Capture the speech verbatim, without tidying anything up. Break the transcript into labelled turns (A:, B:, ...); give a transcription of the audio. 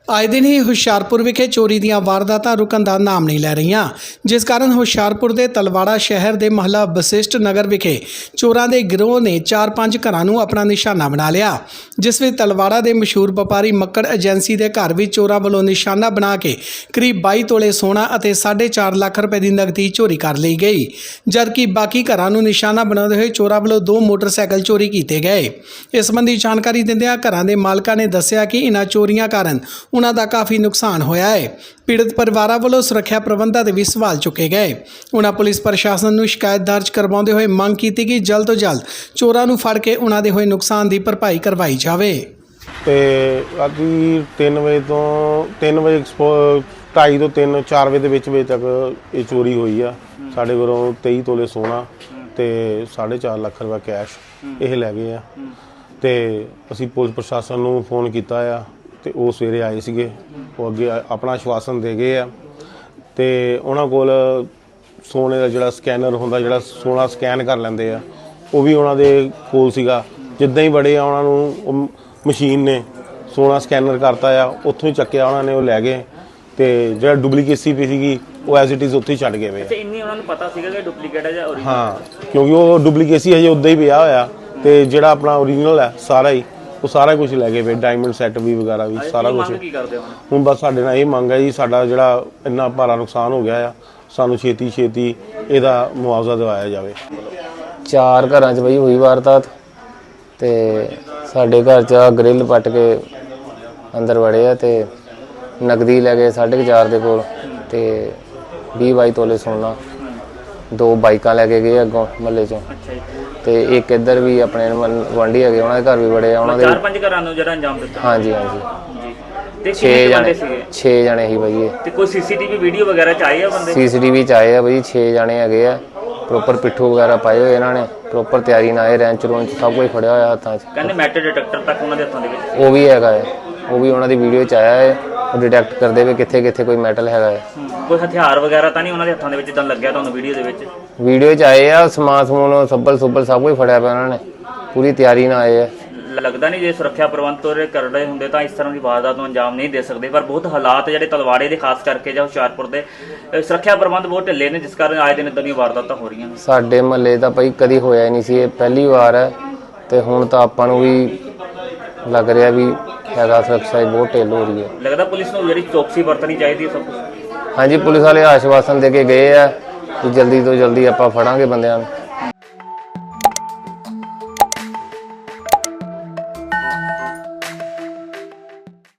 A: आए दिन ही हुशियारपुर विखे चोरी दीयां वारदातां रुकण दा नाम नहीं लै रहीआं, जिस कारण हुशियारपुर दे तलवाड़ा शहर दे महला वशिष्ठ नगर विखे चोरां दे गिरोह ने चार पांच घरां नूं अपना निशाना बना लिया। जिस विच तलवाड़ा दे मशहूर व्यापारी मक्कड़ एजेंसी दे घर विच चोरां वल्लों निशाना बना के करीब बाई तोले सोना अते साढ़े चार लाख रुपए की नकदी चोरी कर ली गई, जबकि बाकी घरां नूं निशाना बनाते हुए चोरां वल्लों दो मोटरसाइकिल चोरी किए गए। इस संबंधी जानकारी दिंदिआं घरां दे मालकां ने दस्सिआ कि इन्हां चोरियां कारण उन्हां दा काफ़ी नुकसान होया है। पीड़ित परिवारां वल्लों सुरक्षा प्रबंधां ते भी सवाल चुके गए। उन्हां पुलिस प्रशासन नूं शिकायत दर्ज करवाउंदे होए मंग कीती कि जल्द तो जल्द चोरां नूं फड़ के उन्हां दे होए नुकसान की भरपाई करवाई जावे।
B: ते राती तीन बजे तो तीन बजे ढाई तो तीन चार बजे के बिच बजे तक ये चोरी हुई है। साढ़े घरों तेई तोले सोना ते साढ़े चार लाख रुपया कैश ये लै गए आ। ते असीं पुलिस प्रशासन नूं फोन किया आ ते वो सवेरे आए सीगे, वो अगे अपना आश्वासन दे गए आ। ते उन्हां कोल सोने का जिहड़ा स्कैनर हुंदा, जिहड़ा सोना स्कैन कर लैंदे आ, वो भी उन्हां दे कोल सीगा। जिद्दां ही बड़े आ उन्हां नूं मशीन ने सोना स्कैनर करता आ, उत्थों ही चक्किया उन्हां ने, वो लै गए। ते जिहड़ा डुप्लीकेसी पी सीगी वो एज इट इज़ उत्थे ही छड्ड गए वे।
C: अच्छा, इन्नी उन्हां नूं पता सीगा कि डुप्लीकेट है जां ओरिजिनल?
B: हाँ, क्योंकि वो डुप्लीकेसी हजे उद्दां ही पिया होया ते जिहड़ा अपना ओरिजिनल है सारा ही वो सारा कुछ लै गए वे, डायमंड सैट भी वगैरह भी सारा कुछ। हुण बस साडे नाल ये मंग है जी, साडा जिहड़ा इन्ना भारा नुकसान हो गया आ, सानू छेती छेती इहदा मुआवजा दिवाया जावे।
D: चार घरां च बई हुई वारदात ते साडे घर च ग्रिल पट के अंदर वड़े आ ते नकदी लै गए साढ़े चार दे कोल ते बीह बाई तोले सोना, दो बाइकां लैके गए अगों महल्ले चों। ते एक इधर भी अपने गुआंढी है उन्होंने घर भी बड़े
C: चार पांच घरां नूं जिहड़ा अंजाम दित्ता।
D: हाँ जी हाँ जी,
C: ते
D: छे जने छे जने ही भाई।
C: ते कोई सीसीटीवी वीडियो वगैरह च आए आ बंदे? सीसीटीवी
D: च आए आ भाई, छे जने है आ, प्रॉपर पिट्ठू वगैरह पाए हुए इन्होंने, प्रॉपर तैयारी नाल रेंच रोंच सब कुछ फड़िया होया हत्थां च।
C: कहंदे मैटल डिटेक्टर तक उन्हां दे हत्थां दे विच
D: वो भी हैगा है, वो भी उन्हां दी वीडियो च आया है, वो डिटेक्ट करदे वे कित्थे कित्थे कोई मैटल हैगा है।
C: कोई हथियार वगैरह तां नहीं उन्हां दे हत्थां दे विच जिद्दां लग्गिआ तुहानूं वीडियो दे विच?
D: वीडियो च आए आ, समान समून सब्बल सुब्बल सब कुछ फड़िया पिया उन्होंने, पूरी तैयारी नाल आए है।
C: लगता नहीं जे सुरक्षा प्रबंध तोरे कर रहे होंगे तो इस तरह की वारदात को अंजाम नहीं दे सकते, पर बहुत हालात जो तलवाड़े के खास करके जो हुशियारपुर के सुरक्षा प्रबंध बहुत ढिले ने, जिस कारण आए दिन इदां दी वारदातां हो रही हैं। साडे महल्ले दा भाई कदी होया ही नहीं सी, पहली बार है ते हुण तां आपां नूं भी लग रहा भी हैगा सुरक्षा बहुत ढिल हो रही है। लगता पुलिस नूं जिहड़ी चौकसी वरतनी चाहिए सब कुछ? हाँ जी, पुलिस वाले आश्वासन दे के गए आ कि जल्दी तो जल्दी आपां फड़ांगे बंदिआं नूं।